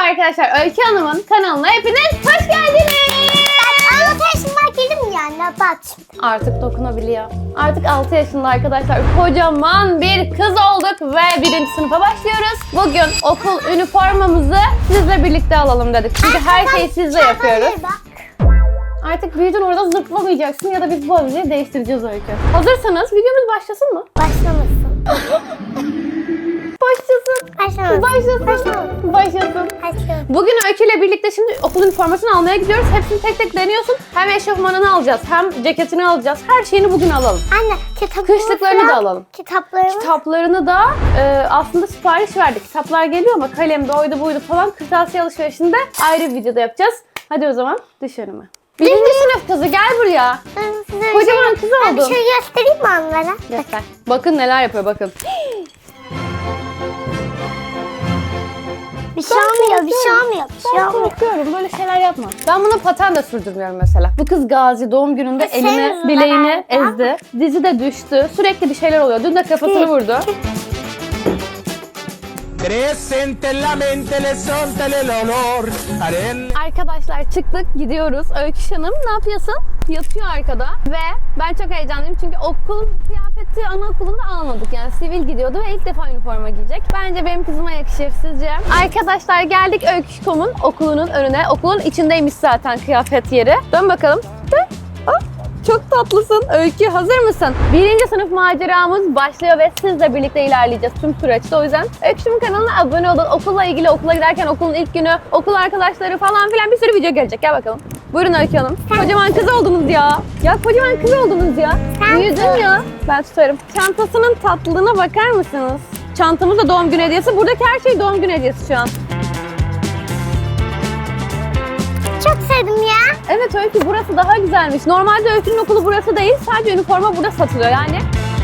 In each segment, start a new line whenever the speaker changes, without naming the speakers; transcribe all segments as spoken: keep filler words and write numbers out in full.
arkadaşlar, Öykü Hanım'ın kanalına hepiniz hoş geldiniz.
Ben altı yaşıma girdim yani bak.
Artık dokunabiliyor. Artık altı yaşında arkadaşlar, kocaman bir kız olduk ve birinci sınıfa başlıyoruz. Bugün okul üniformamızı sizle birlikte alalım dedik. Çünkü her şeyi sizle yapıyoruz. Artık büyüdün, orada zıplamayacaksın ya da biz bu avizeyi değiştireceğiz Öykü. Hazırsanız videomuz başlasın mı?
Başlamasın.
Başlasın.
Başlamasın.
Başlasın.
Başlamasın.
Başlasın.
Başlamasın.
Bugün Öykü ile birlikte şimdi okul üniformasını almaya gidiyoruz. Hepsini tek tek deniyorsun. Hem eşofmanını alacağız, hem ceketini alacağız. Her şeyini bugün alalım.
Anne kitaplarını
Kışlıklarını da alalım.
Kitaplarını.
Kitaplarını da e, aslında sipariş verdik. Kitaplar geliyor ama kalemde oydu buydu falan kırtasiye alışverişinde ayrı bir videoda yapacağız. Hadi o zaman dış önüme. Birinci sınıf kızı gel buraya.
Ben size
Kocaman
bir
kız
şey, ben bir
oldun.
şey göstereyim mi onlara?
Göster. Bakın neler yapıyor bakın.
Bir şey olmuyor, bir şey olmuyor, bir şey
Ben
olmuyor.
korkuyorum, böyle şeyler yapma. Ben buna paten de sürdürmüyorum mesela. Bu kız Gazi doğum gününde
E,
elini,
sen
bileğini
zaten-
ezdi. Dizi de düştü. Sürekli bir şeyler oluyor. Dün de kafasını vurdu.
Presente en la mente le son el olor. Aren.
Arkadaşlar çıktık, gidiyoruz. Öykü Hanım ne yapıyorsun? Yatıyor arkada ve ben çok heyecanlıyım çünkü okul kıyafeti anaokulunda almadık. Yani sivil gidiyordu ve ilk defa üniforma giyecek. Bence benim kızıma yakışır sizce? Arkadaşlar geldik Öykü.com'un okulunun önüne. Okulun içindeymiş zaten kıyafet yeri. Dön bakalım. Dön. Hop. Çok tatlısın. Öykü hazır mısın? Birinci sınıf maceramız başlıyor ve sizle birlikte ilerleyeceğiz tüm süreçte. O yüzden Öykü'nün kanalına abone olun. Okulla ilgili, okula giderken okulun ilk günü, okul arkadaşları falan filan bir sürü video gelecek. Gel bakalım. Buyurun Öykü Hanım. Kocaman kız oldunuz ya. Ya kocaman kız oldunuz ya.
Sen
Büyüdün ya. Ben tutarım. Çantasının tatlılığına bakar mısınız? Çantamız da doğum günü hediyesi. Buradaki her şey doğum günü hediyesi şu an.
Çok sevdim ya.
Evet Öykü, burası daha güzelmiş. Normalde Öykü'nün okulu burası değil. Sadece üniforma burada satılıyor yani.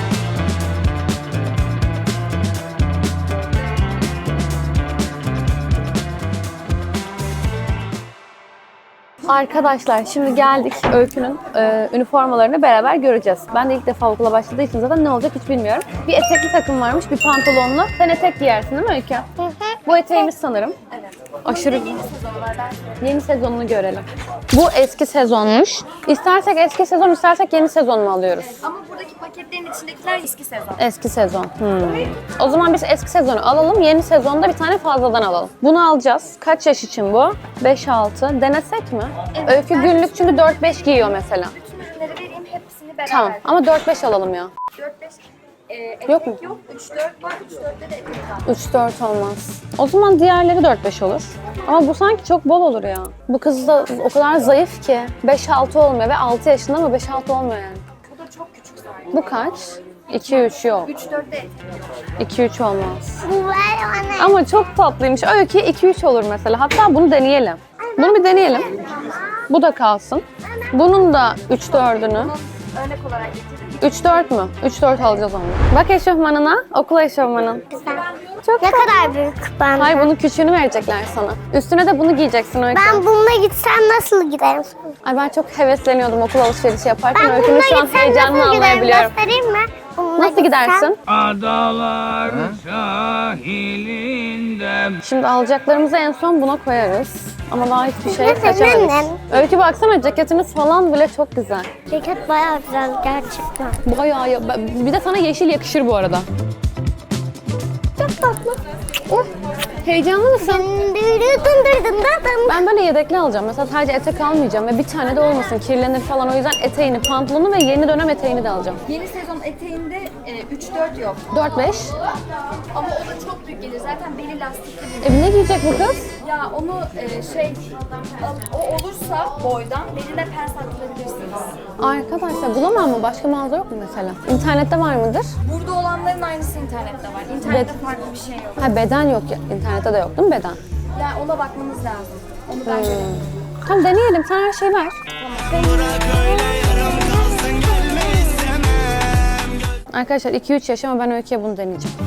Arkadaşlar şimdi geldik Öykü'nün e, üniformalarını beraber göreceğiz. Ben de ilk defa okula başladığı için zaten ne olacak hiç bilmiyorum. Bir etekli takım varmış, bir pantolonlu. Sen etek giyersin değil mi Öykü? Bu eteğimiz sanırım. Evet. Aşırı yeni sezonu var. Yeni sezonunu görelim. Bu eski sezonmuş. İstersek eski sezon, istersek yeni sezon mu alıyoruz?
Ama buradaki paketlerin içindekiler eski sezon.
Eski sezon. Hmm. O zaman biz eski sezonu alalım. Yeni sezonda bir tane fazladan alalım. Bunu alacağız. Kaç yaş için bu? beş altı. Denesek mi?
Evet,
Öykü
ben-
günlük çünkü dört beş giyiyor mesela.
Bütün ürünleri vereyim, hepsini beraber.
Tamam ama dört beş alalım ya.
dört beş e, etek
Yok mu?
yok, üç dört var, üç dörtte de etek var.
üç dört olmaz. O zaman diğerleri dört beş olur. Ama bu sanki çok bol olur ya. Bu kız da o kadar zayıf ki. beş altı olmuyor ve altı yaşında ama beş altı olmuyor yani.
Bu da çok küçük zaten.
Bu kaç? iki üç yok.
üç dörtte etek yok.
iki üç olmaz.
Bu var bana.
Ama çok tatlıymış. Öykü iki üç olur mesela. Hatta bunu deneyelim. Bunu bir deneyelim. Bu da kalsın. Bunun da üç dördünü.
Örnek olarak getirdim.
üç dört mü? üç dört alacağız onu. Bak eşofmanına. Okul eşofmanın.
Güzel.
Çok
Ne
tatlı.
kadar büyük ben.
Hayır, bunun küçüğünü verecekler sana. Üstüne de bunu giyeceksin Öykü.
Ben bununla gitsem nasıl giderim?
Ay ben çok hevesleniyordum okul alışverişi yaparken.
Ben
Öykünün
bununla
şu an
gitsem
heyecanını
nasıl giderim?
anlayabiliyorum.
Göstereyim mi? Bununla
Nasıl
gitsem-
gidersin?
Adalar sahilinde.
Şimdi alacaklarımızı en son buna koyarız. Ama daha hiçbir şey
Nasıl,
seçemedik.
annem?
Öykü baksana, ceketiniz falan bile çok güzel.
Ceket bayağı güzel gerçekten.
Bayağı ya- bir de sana yeşil yakışır bu arada. Çok tatlı. Oh. Heyecanlı mısın? Ben böyle yedekli alacağım. Mesela sadece etek almayacağım ve bir tane de olmasın, kirlenir falan. O yüzden eteğini, pantolonu ve yeni dönem eteğini de alacağım.
Yeni sezon eteğinde e, üç dört yok.
dört beş.
Ama o da çok büyük gelir. Zaten beli lastikli bir.
E ne giyecek bu kız?
Ya onu e, şey, o olursa boydan beline pens attırabilirsiniz.
Arkadaşlar bulamam mı? Başka mağaza yok mu mesela? İnternette var mıdır?
Burada olanların aynısı internette var. İnternette farklı bir şey yok.
Ha, beden yok ya. İnternette de yok değil mi beden?
Yani ona bakmanız lazım. Onu ben göremiyorum.
Tamam deneyelim. Sen her şeyi ver. Arkadaşlar iki üç yaş ama ben Öykü'ye bunu deneyeceğim.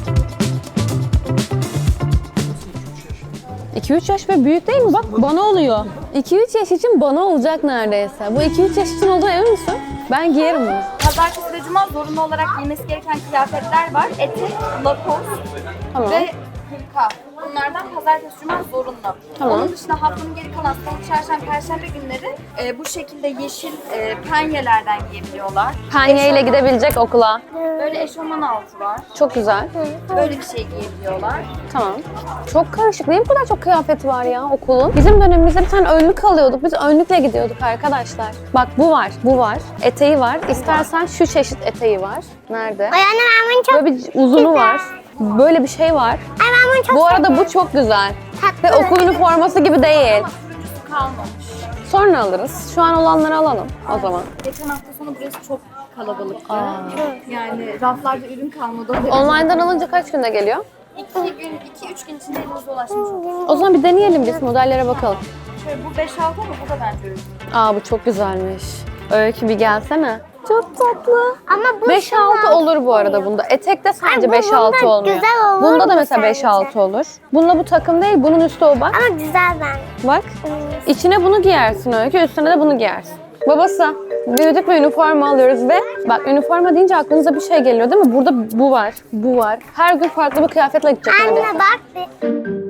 iki üç yaş ve büyük değil mi? Bak bana oluyor. iki üç yaş için bana olacak neredeyse. Bu iki üç yaş için olduğuna emin misin? Ben giyerim bunu.
Pazartesi ve cuma zorunlu olarak giymesi gereken kıyafetler var. Etek, lakos
Tamam.
ve hırka. Bunlardan pazartesi, cuma zorunlu.
Tamam.
Onun dışında haftanın geri kalan salı, çarşamba, perşembe günleri e, bu şekilde yeşil e, penyelerden giyebiliyorlar.
Penye ile gidebilecek okula.
Böyle eşofman altı var.
Çok güzel.
Böyle bir şey giyebiliyorlar.
Tamam. Çok karışık. Niye bu kadar çok kıyafeti var ya okulun? Bizim dönemimizde bir tane önlük alıyorduk. Biz önlükle gidiyorduk arkadaşlar. Bak bu var, bu var. Eteği var. İstersen şu çeşit eteği var. Nerede?
Ay anne ben bunu çok
Böyle bir uzunu var. Böyle bir şey var.
Ay ben bunu çok
Bu arada bu çok güzel. Ve
tatlı.
okul üniforması gibi değil.
Ama sürücüsü kalmamış.
Sonra alırız. Şu an olanları alalım o zaman.
Geçen hafta sonu burası çok kalabalıktı. Yani raflarda ürün kalmadı. O derece-
Online'dan alınca kaç günde geliyor?
İki gün, iki üç gün içinde elinize ulaşmış olur.
O zaman bir deneyelim biz modellere bakalım.
Şöyle bu beş altı ama bu da bence ürün.
Aa bu çok güzelmiş. Öykü bir gelsene. Çok tatlı.
Ama bu
beş altı olur bu arada bunda. Etekte sadece
Ay, bu-
beş altı
bunda
olmuyor.
güzel olur
Bunda da
mu
mesela beş altı
sence?
olur. Bununla bu takım değil, bunun üstü o bak.
Ama güzel ben.
Bak. İçine bunu giyersin Öykü, üstüne de bunu giyersin. Babası, büyüdük ve üniforma alıyoruz ve bak üniforma deyince aklınıza bir şey geliyor değil mi? Burada bu var, bu var. Her gün farklı bir kıyafetle gidecek neredeyse.
Anne bak bir.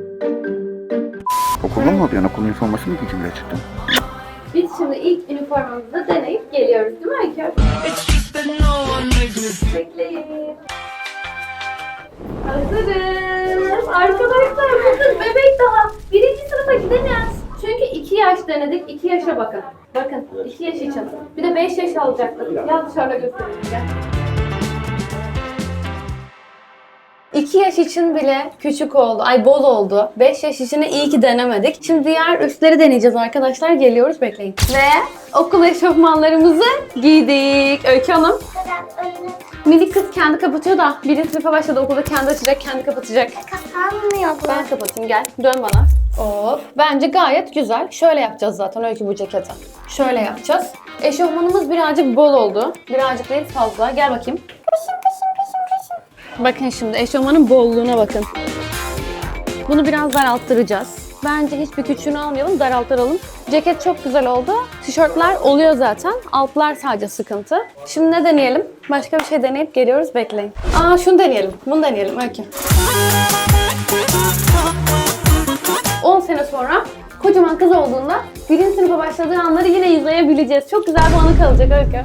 Okulda mı oluyor? Okul üniforması mı giyeceğim gerçekten?
Biz şimdi ilk üniformamızı deneyip geliyoruz değil mi Öykü? Bekleyin. Hazırız. Arkadaşlar bakın bebek daha. Birinci sınıfa gidemez. Çünkü iki yaş denedik. iki yaşa bakın. Bakın iki yaş için. Bir de beş yaş alacaktık. Gel dışarıda göstereyim gel. iki yaş için bile küçük oldu. Ay bol oldu. beş yaş için de iyi ki denemedik. Şimdi diğer üstleri deneyeceğiz arkadaşlar. Geliyoruz bekleyin. Ve okul eşofmanlarımızı giydik. Öykü Hanım. Minik kız kendi kapatıyor da birinci sınıfa başladı okulda kendi açacak, kendi kapatacak.
Kapanmıyor bu.
Ben kapatayım gel. Dön bana. Hop. Bence gayet güzel. Şöyle yapacağız zaten Öykü bu ceketi. Şöyle yapacağız. Eşofmanımız birazcık bol oldu. Birazcık değil fazla. Gel bakayım. Bakın şimdi eşofmanın bolluğuna bakın. Bunu biraz daralttıracağız. Bence hiçbir küçüğünü almayalım, daraltıralım. Ceket çok güzel oldu. Tişörtler oluyor zaten. Altlar sadece sıkıntı. Şimdi ne deneyelim? Başka bir şey deneyip geliyoruz. Bekleyin. Aa şunu deneyelim. Bunu deneyelim. Öykü. on sene sonra kocaman kız olduğunda birinci sınıfa başladığı anları yine izleyebileceğiz. Çok güzel bir anı kalacak Öykü.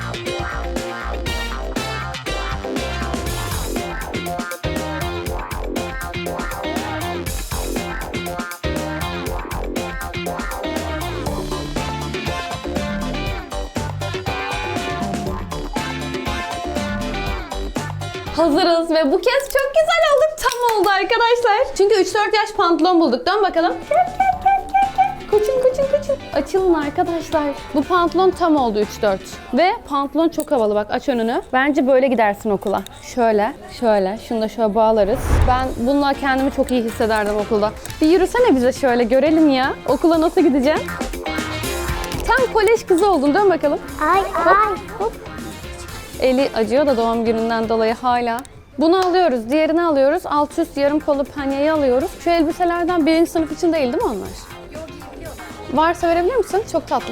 Hazırız ve bu kez çok güzel olduk. Tam oldu arkadaşlar. Çünkü üç dört yaş pantolon bulduk. Dön bakalım. Koçum koçum koçum. Açılın arkadaşlar. Bu pantolon tam oldu üç dört. Ve pantolon çok havalı bak aç önünü. Bence böyle gidersin okula. Şöyle, şöyle. Şunu da şöyle bağlarız. Ben bununla kendimi çok iyi hissederdim okulda. Bir yürüsene bize şöyle görelim ya. Okula nasıl gideceğim? Tam kolej kızı oldun. Dön bakalım.
Ay ay.
Hop. Eli acıyor da doğum gününden dolayı hala. Bunu alıyoruz, diğerini alıyoruz. Alt üst yarım kolu penyeyi alıyoruz. Şu elbiselerden birinci sınıf için değil değil mi onlar?
Yok giyebiliyorlar.
Varsa verebilir misin? Çok tatlı.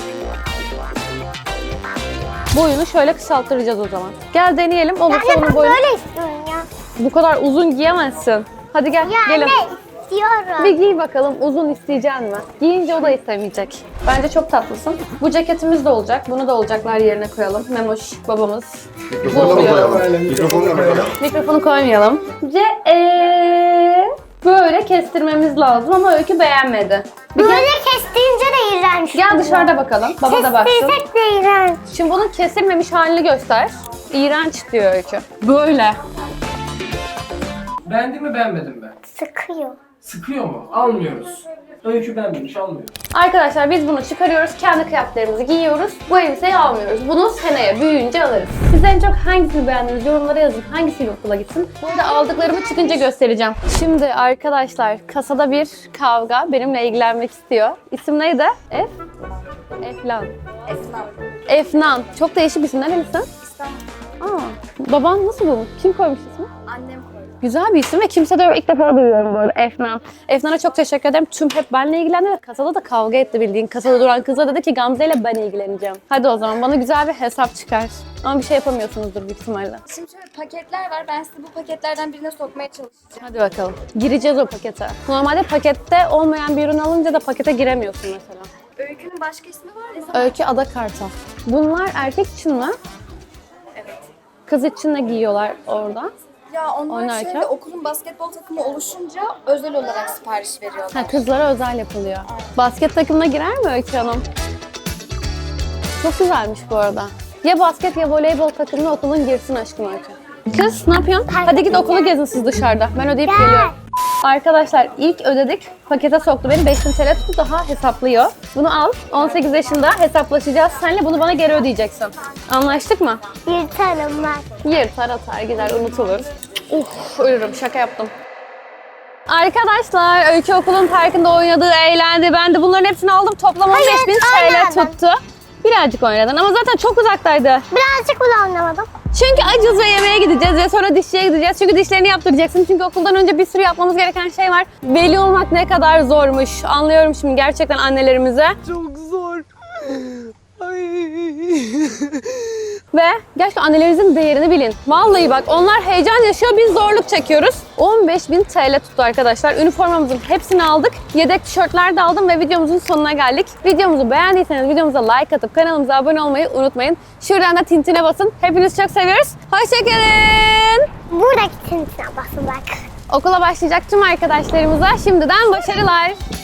Boyunu şöyle kısalttıracağız o zaman. Gel deneyelim. Olursa
Anne
onun
ben
boyunu...
böyle istiyorum ya.
Bu kadar uzun giyemezsin. Hadi gel,
Ya
gelin.
anne istiyorum.
Bir giy bakalım uzun isteyecek mi? Giyince o da istemeyecek. Bence çok tatlısın. Bu ceketimiz de olacak. Bunu da olacaklar yerine koyalım. Memoş babamız. Bu oluyor.
Mikrofonu da koyalım.
Mikrofonu koymayalım. Ve ee, böyle kestirmemiz lazım ama Öykü beğenmedi. Bir
Böyle
gel,
kestiğince de iğrenç.
gel dışarıda bakalım. Baba da baksın.
Kestirsek de iğrenç.
Şimdi bunun kesilmemiş halini göster. İğrenç diyor Öykü. Böyle.
Beğendin mi beğenmedin mi?
Sıkıyor.
Sıkıyor mu? Almıyoruz. Öykü beğenmemiş almıyoruz.
Arkadaşlar biz bunu çıkarıyoruz. Kendi kıyafetlerimizi giyiyoruz. Bu elbiseyi almıyoruz. Bunu seneye büyüyünce alırız. Siz en çok hangisini beğendiniz? Yorumlara yazın. Hangisiyle okula gitsin? Bu arada aldıklarımı çıkınca göstereceğim. Şimdi arkadaşlar kasada bir kavga benimle ilgilenmek istiyor. İsim neydi? F? Eflan.
Esnaf.
Efnan. Çok değişik bir isim. Nerelisin?
İstanbul.
Aa, baban nasıl bulmuş? Kim koymuş ismi?
Annem koydu.
Güzel bir isim ve kimse de ilk defa duyuyorum böyle Efnan. Efnan'a çok teşekkür ederim. Tüm hep benimle ilgilendi ve kasada da kavga etti bildiğin. Kasada duran kızla dedi ki Gamze ile ben ilgileneceğim. Hadi o zaman bana güzel bir hesap çıkar. Ama bir şey yapamıyorsunuzdur büyük ihtimalle.
Şimdi şöyle paketler var. Ben sizi bu paketlerden birine sokmaya çalışacağım.
Hadi bakalım. Gireceğiz o pakete. Normalde pakette olmayan bir ürün alınca da pakete giremiyorsun mesela.
Öykünün başka ismi var ya.
Öykü Ada Kartal. Bunlar erkek için mi?
Evet.
Kız için de giyiyorlar orada.
Ya onlar
Oynarken?
şöyle okulun basketbol takımı oluşunca özel olarak sipariş veriyorlar.
Ha, kızlara özel yapılıyor. Basket takımına girer mi Öykü Hanım? Çok güzelmiş bu arada. Ya basket ya voleybol takımına okulun girsin aşkım Öykü. Kız ne yapıyorsun? Hadi git okulu gezin siz dışarıda. Ben ödeyip geliyorum. Arkadaşlar ilk ödedik. Pakete soktu beni. beş bin T L tuttu. Daha hesaplıyor. Bunu al. on sekiz yaşında hesaplaşacağız. Senle bunu bana geri ödeyeceksin. Anlaştık mı?
Yırtarım ben.
Yırtar atar gider unutulur. Uf ölürüm şaka yaptım. Arkadaşlar Öykü okulun parkında oynadı, eğlendi. Ben de bunların hepsini aldım. Toplam on beş bin T L
oynadın.
tuttu. Birazcık oynadın ama zaten çok uzaktaydı.
Birazcık bile anlamadım.
Çünkü acız ve yemeğe gideceğiz ve sonra dişçiye gideceğiz. Çünkü dişlerini yaptıracaksın. Çünkü okuldan önce bir sürü yapmamız gereken şey var. Veli olmak ne kadar zormuş. Anlıyorum şimdi gerçekten annelerimize.
Çok zor.
Ve gerçekten annelerinizin değerini bilin. Vallahi bak onlar heyecan yaşıyor, biz zorluk çekiyoruz. on beş bin T L tuttu arkadaşlar. Üniformamızın hepsini aldık. Yedek tişörtler de aldım ve videomuzun sonuna geldik. Videomuzu beğendiyseniz videomuza like atıp kanalımıza abone olmayı unutmayın. Şuradan da tintine basın. Hepinizi çok seviyoruz. Hoşçakalın.
Buradaki tintine basın bak.
Okula başlayacak tüm arkadaşlarımıza şimdiden başarılar.